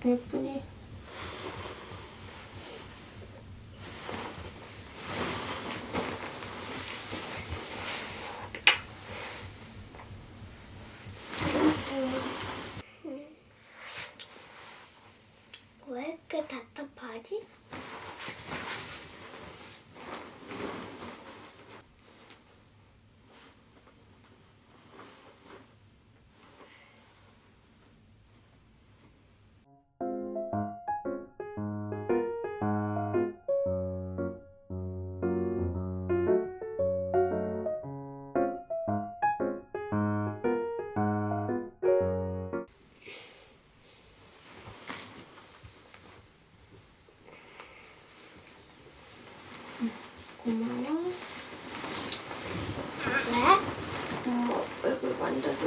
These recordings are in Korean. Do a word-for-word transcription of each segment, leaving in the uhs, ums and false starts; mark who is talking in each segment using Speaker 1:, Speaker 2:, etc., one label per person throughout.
Speaker 1: 예쁘니?
Speaker 2: 왜 이렇게 답답하지?
Speaker 1: 고마워.
Speaker 2: 왜?
Speaker 1: 엄마 얼굴 만져줘.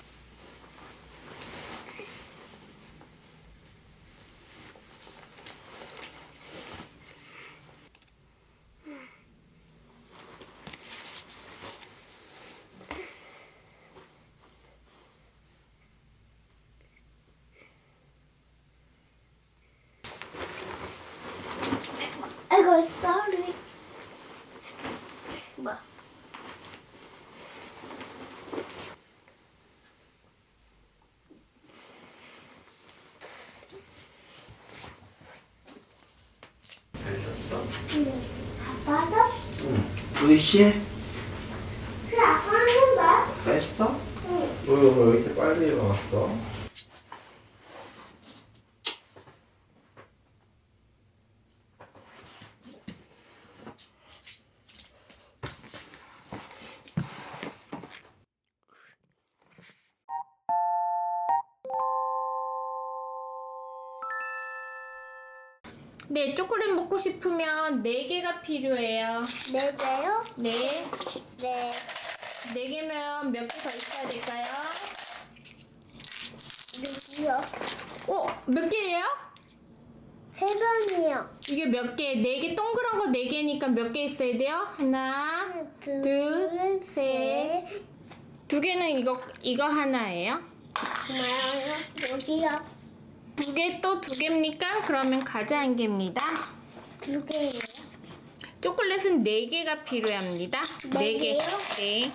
Speaker 2: 아이고, sorry. 뭐?
Speaker 3: 잘잤어?
Speaker 2: 응. 아빠도?
Speaker 3: 응. 몇 시에?
Speaker 2: 그 아빠 하는데?
Speaker 3: 했어?
Speaker 2: 응.
Speaker 3: 왜, 왜 이렇게 빨리 일어났어?
Speaker 1: 네, 초콜릿 먹고 싶으면 네 개가 필요해요.
Speaker 2: 네 개요?
Speaker 1: 네.
Speaker 2: 네.
Speaker 1: 네 개면 몇 개 더 있어야 될까요?
Speaker 2: 누구요?
Speaker 1: 어, 몇 개예요?
Speaker 2: 세 번이요.
Speaker 1: 이게 몇 개? 네 개 동그란 거 네 개니까 몇 개 있어야 돼요? 하나,
Speaker 2: 둘,
Speaker 1: 둘, 셋.
Speaker 2: 셋.
Speaker 1: 두 개는 이거 이거 하나예요.
Speaker 2: 고마워요. 여기요.
Speaker 1: 두 개 또 두 개입니까? 그러면 과자 한 개입니다.
Speaker 2: 두 개예요.
Speaker 1: 초콜릿은 네 개가 필요합니다.
Speaker 2: 네
Speaker 1: 네 개.
Speaker 2: 개요?
Speaker 1: 네.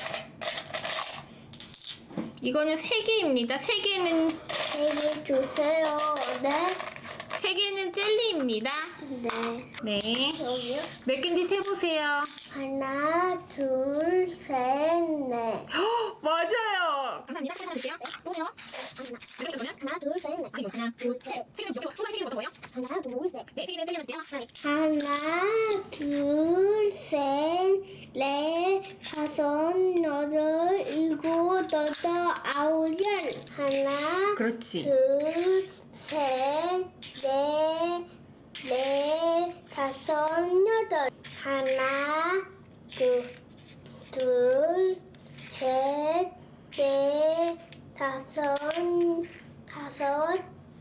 Speaker 1: 이거는 세 개입니다. 세 개는
Speaker 2: 세 개 주세요. 네.
Speaker 1: 세 개는 젤리입니다.
Speaker 2: 네.
Speaker 1: 네.
Speaker 2: 여기요.
Speaker 1: 몇 개인지 세 보세요.
Speaker 2: 하나, 둘, 셋, 넷.
Speaker 1: 맞아요. 감사합니다. 세 개 드릴게요. 또요. 몇 개 거면?
Speaker 2: 하나, 둘, 셋, 넷.
Speaker 1: 아니, 하나, 둘, 셋. 세 개는 몇 개? 소나 세 개는 어떤 거예요?
Speaker 2: 하나, 둘, 셋.
Speaker 1: 네, 세 개는 젤리 하실게요. 네.
Speaker 2: 하나, 둘, 셋, 넷, 다섯, 여덟, 일곱, 여덟, 아홉, 열. 하나,
Speaker 1: 그렇지.
Speaker 2: 둘, 셋, 넷, 넷, 다섯, 여덟. 하나, 둘, 둘, 셋, 넷, 다섯, 다섯,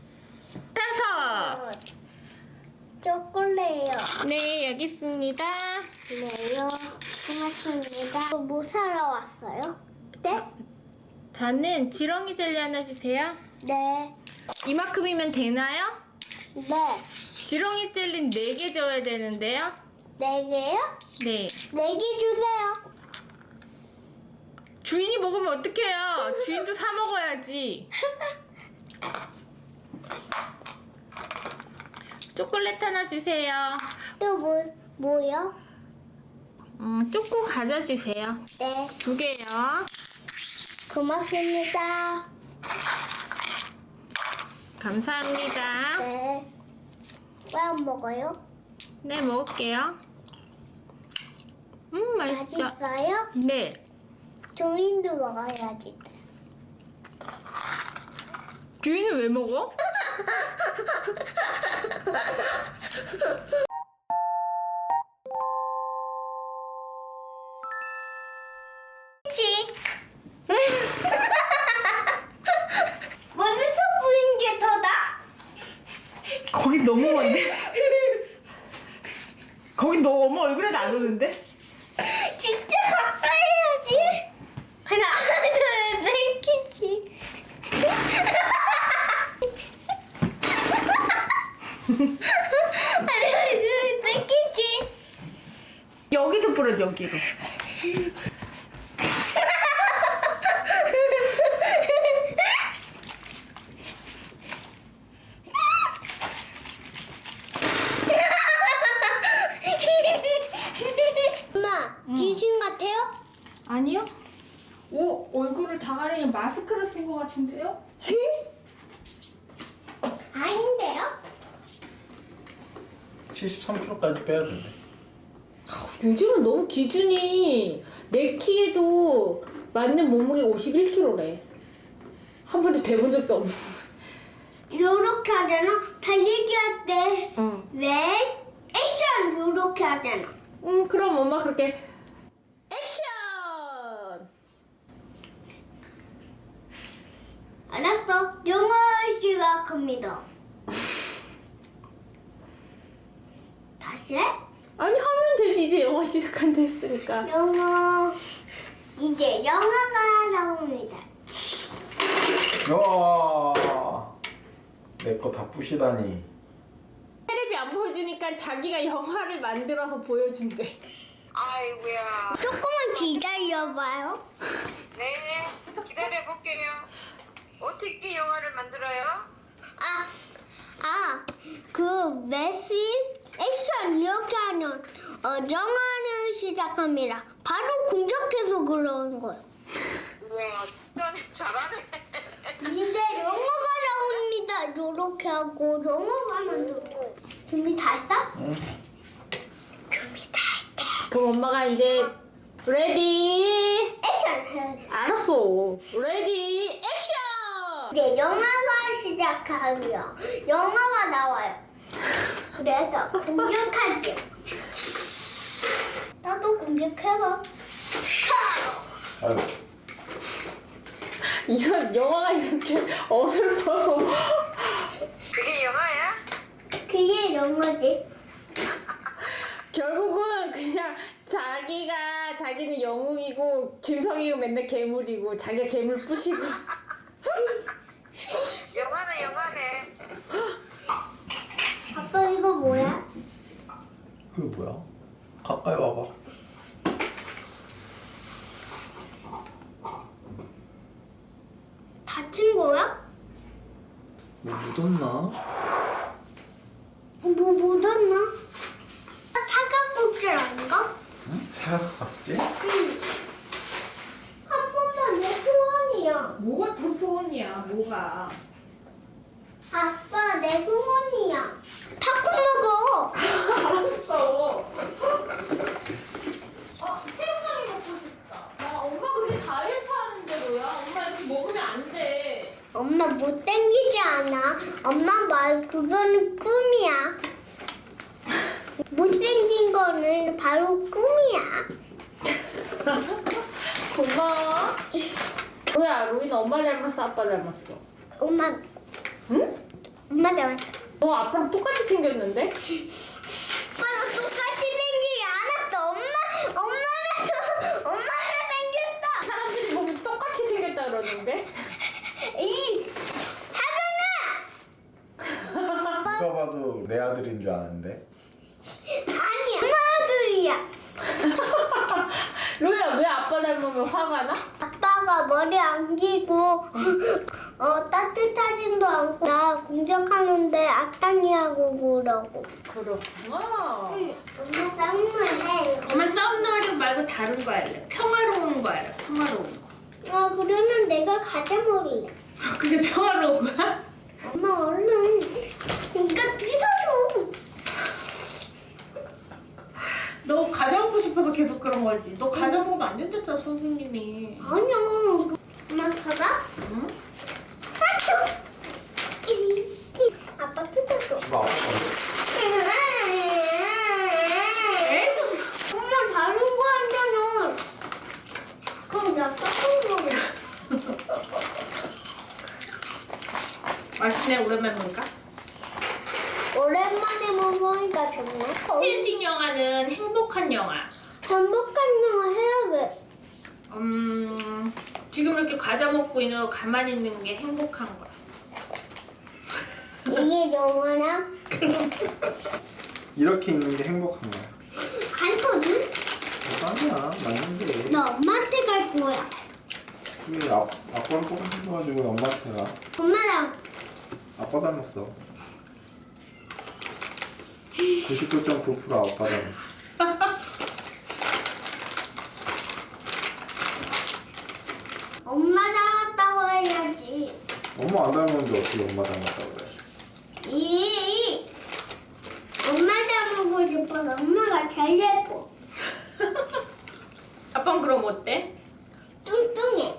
Speaker 1: 다섯.
Speaker 2: 초콜릿요.
Speaker 1: 네, 여기 있습니다.
Speaker 2: 네요. 고맙습니다. 뭐 사러 왔어요? 네?
Speaker 1: 저는 지렁이 젤리 하나 주세요.
Speaker 2: 네.
Speaker 1: 이만큼이면 되나요?
Speaker 2: 네.
Speaker 1: 지렁이 젤리 네 개 줘야 되는데요.
Speaker 2: 네 개요?
Speaker 1: 네.
Speaker 2: 네 개 주세요.
Speaker 1: 주인이 먹으면 어떡해요? 주인도 사 먹어야지. 초콜릿 하나 주세요.
Speaker 2: 또 뭐, 뭐요?
Speaker 1: 음, 초코 과자 주세요.
Speaker 2: 네.
Speaker 1: 두 개요.
Speaker 2: 고맙습니다.
Speaker 1: 감사합니다.
Speaker 2: 네. 왜 안 먹어요?
Speaker 1: 네, 먹을게요. 음, 맛있죠?
Speaker 2: 맛있어요?
Speaker 1: 네.
Speaker 2: 종인도 먹어야지.
Speaker 1: 주인은 왜 먹어?
Speaker 2: 그치? 머리서 보인 게 더다?
Speaker 1: 거기 너무 먼데? 거기 너 엄마 얼굴에도 안 오는데?
Speaker 2: 진짜 가까이 해야지. 하나, 둘, 셋, 키치. 뺏기지.
Speaker 1: 여기도 뿌려 여기로.
Speaker 2: 엄마, 귀신 같아요?
Speaker 1: 아니요? 오 얼굴을 다 가리는 마스크를 쓴 것 같은데요?
Speaker 2: 아닌데요?
Speaker 3: 칠십삼 킬로그램까지 빼야 된대.
Speaker 1: 요즘은 너무 기준이 내 키에도 맞는 몸무게 오십일 킬로그램래. 한 번도 돼본 적도 없는.
Speaker 2: 요렇게 하잖아. 달리기 할 때
Speaker 1: 응.
Speaker 2: 왜 액션 요렇게 하잖아.
Speaker 1: 음 그럼 엄마 그렇게 액션.
Speaker 2: 알았어. 영어 시작합니다. 다시 해?
Speaker 1: 아니 하면 되지 이제 영어 시작한다 했으니까.
Speaker 2: 영어. 이제 영어가 나옵니다.
Speaker 3: 와, 내 거 다 부시다니.
Speaker 1: 테레비 안 보여주니까 자기가 영화를 만들어서 보여준대.
Speaker 4: 아이고야.
Speaker 2: 조금만 기다려봐요.
Speaker 4: 네, 기다려 볼게요. 어떻게 영화를 만들어요?
Speaker 2: 아, 아, 그 메시 액션 이렇게 하는 어, 영화를 시작합니다. 바로 공격해서 그러는 거예요.
Speaker 4: 우와, 넌 잘하네.
Speaker 2: 이제 영어가 나옵니다. 요렇게 하고 영어가 만들고. 준비 다 했어?
Speaker 3: 응.
Speaker 2: 준비 다 했대.
Speaker 1: 그럼 엄마가 이제 레디.
Speaker 2: 액션 해야지.
Speaker 1: 알았어. 레디 액션.
Speaker 2: 이제 영화가 시작하면 영화가 나와요. 그래서 공격하지. 나도 공격해봐.
Speaker 3: 아이고.
Speaker 1: 이런 영화가 이렇게 어설퍼서.
Speaker 4: 그게 영화야?
Speaker 2: 그게 영어지.
Speaker 1: 결국은 그냥 자기가 자기는 영웅이고 김성희가 맨날 괴물이고 자기가 괴물 부시고.
Speaker 4: 영화네, 영화네.
Speaker 2: 아빠 이거 뭐야?
Speaker 3: 그게 뭐야? 가까이 와봐.
Speaker 2: 다친 거야?
Speaker 3: 뭐 묻었나?
Speaker 2: 뭐 묻었나? 사각복질 아닌가?
Speaker 3: 응? 사갔지?
Speaker 2: 응. 한 번만 내 소원이야.
Speaker 1: 뭐가 더 소원이야 뭐가.
Speaker 2: 아빠 내 소원이야. 팝콘 먹어.
Speaker 1: 알았어. 아 새우깡이 먹고 싶다. 야 엄마 그렇게 다이어트 하는데 뭐야. 엄마 이렇게 먹으면 안 돼.
Speaker 2: 엄마 못생기지 않아. 엄마 말 그거는 꿈이야. 못생긴 거는 바로 꿈이야.
Speaker 1: 고마워. 로야 로이는 엄마 닮았어 아빠 닮았어?
Speaker 2: 엄마,
Speaker 1: 응?
Speaker 2: 엄마 닮았어.
Speaker 1: 너 아빠랑 똑같이 생겼는데?
Speaker 2: 엄마랑 똑같이 생기지 않았어. 엄마, 엄마랑 엄마랑 생겼어.
Speaker 1: 사람들이 보면 똑같이 생겼다 그러는데?
Speaker 2: 이 하준아.
Speaker 3: 누가 봐도 내 아들인 줄 아는데.
Speaker 2: 아니야. 엄마 아들이야.
Speaker 1: 로야 왜 아빠 닮으면 화가 나?
Speaker 2: 아빠가 머리 안 기고 어 따뜻하지도 않고 나 공격하는데 악당이 하고 그러고.
Speaker 1: 그렇구나.
Speaker 2: 응, 엄마 땀을 해.
Speaker 1: 엄마 썸너리 말고 다른 거 할래. 평화로운 거 할래. 평화로운 거.
Speaker 2: 아 그러면 내가 가자 머리야.
Speaker 1: 그게 평화로운 거야?
Speaker 2: 엄마 얼른 이거 뜯어줘.
Speaker 1: 너 가져 먹고 싶어서 계속 그런 거지. 너 가져 먹으면 안 된댔잖아 선생님이.
Speaker 2: 아니야. 엄마 봐봐.
Speaker 1: 응?
Speaker 2: 아초. 아빠 뜯어줘.
Speaker 3: 이거 아빠.
Speaker 2: 엄마 다른 거 하면은 그럼 나 깎은 거야.
Speaker 1: 맛있네 오랜만에 먹을까?
Speaker 2: 오랜만에 먹으니까 좋네.
Speaker 1: 힐딩 영화는 행복한 영화.
Speaker 2: 반복한 영화 해야겠.
Speaker 1: 음 지금 이렇게 과자 먹고 있는 거 가만히 있는 게 행복한 거야.
Speaker 2: 이게 영화나
Speaker 3: 이렇게 있는 게 행복한 거야.
Speaker 2: 갈거든?
Speaker 3: 아니야, 맞는데.
Speaker 2: 나 엄마한테 갈 거야.
Speaker 3: 근데 아, 아빠랑 똑같이 가지고 엄마한테 가.
Speaker 2: 엄마랑
Speaker 3: 아빠 닮았어. 구십구 점 구 퍼센트 아빠 닮았어.
Speaker 2: 엄마 닮았다고 해야지.
Speaker 3: 엄마 안 닮았는데 어떻게 엄마 닮았다고 그래?
Speaker 2: 이 엄마 닮고 싶어서 엄마가 제일 예뻐.
Speaker 1: 아빠는 그럼 어때?
Speaker 2: 뚱뚱해.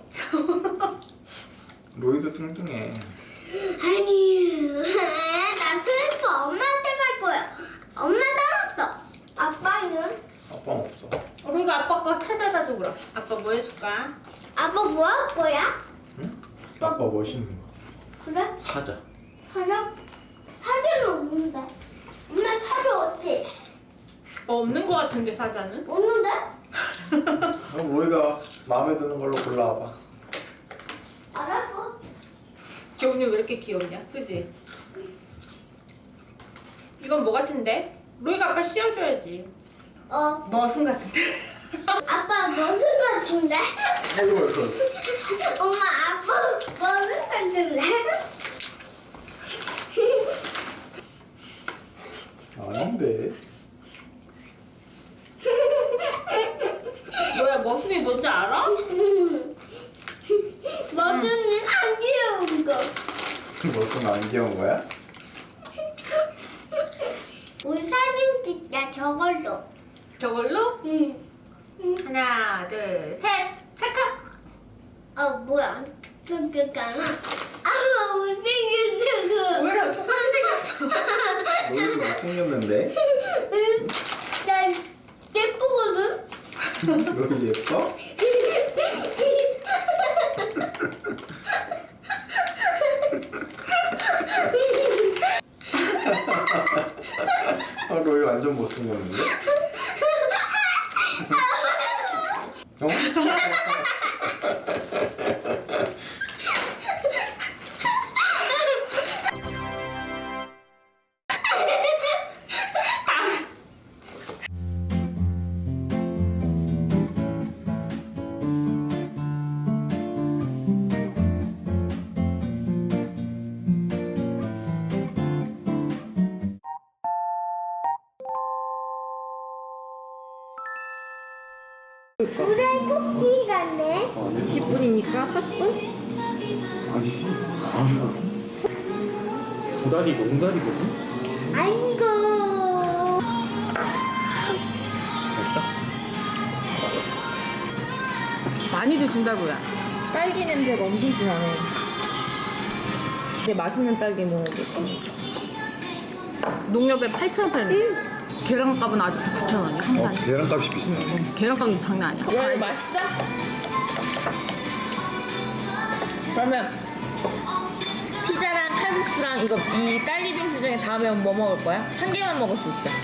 Speaker 3: 로이도 뚱뚱해.
Speaker 2: 아니, 나 슬퍼. 엄마한테 갈 거야. 엄마 닮았어. 아빠는?
Speaker 3: 아빠는 없어.
Speaker 1: 우리가 아빠 거 찾아다 줘 그럼. 아빠 뭐 해줄까?
Speaker 2: 아빠 뭐 할 거야?
Speaker 3: 응? 아빠 멋있는 거.
Speaker 2: 그래?
Speaker 3: 사자.
Speaker 2: 사자? 사자는 없는데. 엄마 사자 없지?
Speaker 1: 어, 없는 거 같은데 사자는?
Speaker 2: 없는데?
Speaker 3: 그럼 로이가 마음에 드는 걸로 골라와봐.
Speaker 2: 알았어.
Speaker 1: 지훈이 왜 이렇게 귀엽냐? 그지? 이건 뭐 같은데? 로이가 아빠 씌워줘야지.
Speaker 2: 어,
Speaker 1: 머슴 같은데?
Speaker 2: 아빠 머슴 같은데?
Speaker 3: 아이고, 아이고.
Speaker 2: 엄마 아빠 머슴 같은데?
Speaker 3: 아닌데.
Speaker 1: 뭐야 머슴이 뭔지 알아?
Speaker 2: 머슴은 안 귀여운 거.
Speaker 3: 무슨 안 귀여운 거야?
Speaker 2: 우리 사진 찍자 저걸로.
Speaker 1: 저걸로?
Speaker 2: 응.
Speaker 1: 하나 둘셋 찰칵.
Speaker 2: 어 뭐야? 저기잖아. 아 못생겼어.
Speaker 1: 로이랑 똑같이 생겼어.
Speaker 3: 로이도 못생겼는데?
Speaker 2: 나 예쁘거든.
Speaker 3: 로이 예뻐? 아, 로이 완전 못생겼는데? 어?
Speaker 2: 불에 토끼 같네.
Speaker 1: 이십 분이니까 사십 분?
Speaker 3: 아니, 아니. 구다리 몽다리거든?
Speaker 2: 아이고.
Speaker 3: 됐어?
Speaker 1: 많이도 준다고요.
Speaker 5: 딸기 냄새가 엄청 진하네. 근데 맛있는 딸기 먹어보지.
Speaker 1: 농협에 팔천 원 팔네. 계란값은 아직도 구천 원이야 한 판에.
Speaker 3: 계란값이 비싸.
Speaker 1: 계란값이 장난 아니야.
Speaker 5: 야, 이거 맛있어? 그러면 피자랑 칼국수랑 이거 이 딸기 빙수 중에 다음에 뭐 먹을 거야? 한 개만 먹을 수 있어.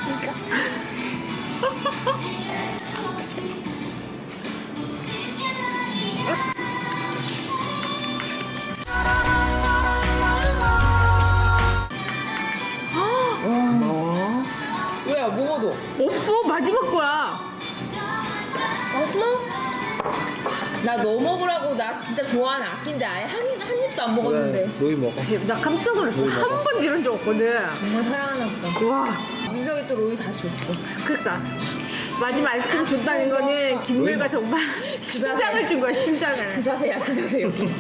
Speaker 3: 고마워.
Speaker 5: 왜야, 먹어도?
Speaker 1: 없어 마지막 거야.
Speaker 2: 없어?
Speaker 5: 나 너 먹으라고 나 진짜 좋아하는 아낀데 아예 한, 한 입도 안 먹었는데.
Speaker 3: 로이 먹어.
Speaker 1: 나 깜짝 놀랐어.
Speaker 3: 로이
Speaker 1: 한
Speaker 3: 먹어.
Speaker 1: 번 이런 적 없거든.
Speaker 5: 정말 사랑하나 보다.
Speaker 1: 와,
Speaker 5: 민석이 또 로이 다시 줬어.
Speaker 1: 그니까 마지막 아이스크림 줬다는 거는 김물과 정말 심장을 준 거야 심장을.
Speaker 5: 그 사세야, 그 사세 여기.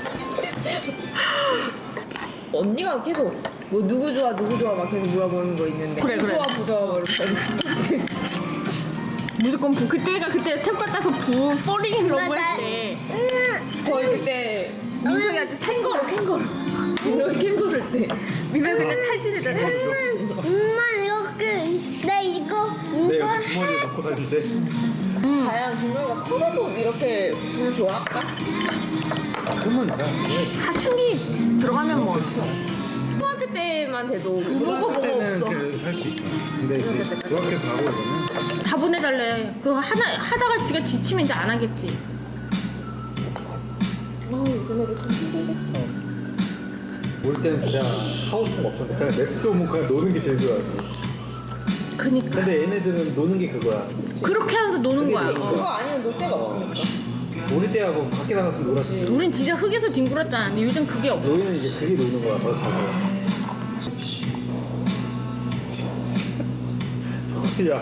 Speaker 5: 언니가 계속 뭐 누구 좋아 누구 좋아 막 계속 물어보는 거 있는데
Speaker 1: 그래,
Speaker 5: 부
Speaker 1: 그래.
Speaker 5: 좋아 부 좋아 막 이러면서
Speaker 1: 무조건 부 그때가 그때 태국 갔다서 부 폴링 러브 할때
Speaker 5: 거의 그때
Speaker 1: 민석이 아주
Speaker 5: 캥거루 캥거루 로이 캥거루 때
Speaker 1: 민석이 그냥 탈진했잖아.
Speaker 2: 엄마 이렇게 나 이거
Speaker 3: 내
Speaker 2: 이거
Speaker 3: 여기 주머니에 넣고 다니는데.
Speaker 5: 과연 김로이가 커서도 이렇게 불 좋아할까?
Speaker 3: 그러면 돼.
Speaker 1: 사춘기 들어가면 뭐
Speaker 5: 초등학교 때만 돼도
Speaker 1: 뭐가 뭐가 없어.
Speaker 3: 할수 있어. 근데 이제 중학교에서 하고 이러면
Speaker 1: 다 보내달래. 그거 하나 하다가 지가 지치면 이제 안 하겠지.
Speaker 5: 아우 요즘 애들 참 힘들겠어.
Speaker 6: 놀 때는 진짜 하고 싶은 거 없었는데 그냥 냅두면 그냥 노는 게 제일 좋아.
Speaker 5: 그니까
Speaker 6: 근데 얘네들은 노는 게 그거야.
Speaker 5: 그렇게 하면서 노는 거야.
Speaker 6: 그게
Speaker 5: 어.
Speaker 1: 그거 아니면 놀 데가 없으니까.
Speaker 6: 놀이 때하고 밖에 나가서 놀았지.
Speaker 5: 우린 진짜 흙에서 뒹굴었잖아. 근데 요즘 그게 없어.
Speaker 6: 노이는 이제 그게 노는 거야. 거기 가서. 야.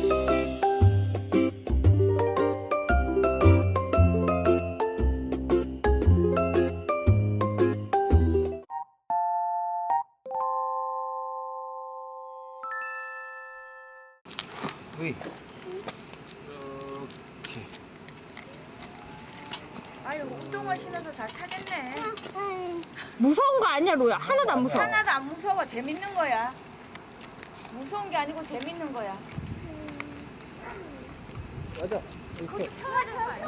Speaker 3: 으이.
Speaker 7: 아유, 운동화 신어서 잘 타겠네.
Speaker 5: 무서운 거 아니야, 로야. 하나도 안 무서워.
Speaker 7: 하나도 안 무서워. 재밌는 거야. 무서운 게 아니고 재밌는 거야.
Speaker 6: 맞아.
Speaker 7: 거기 펴가는 거 아니야?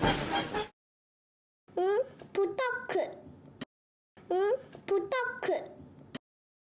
Speaker 2: 응? 부탁해. 응? 부탁해.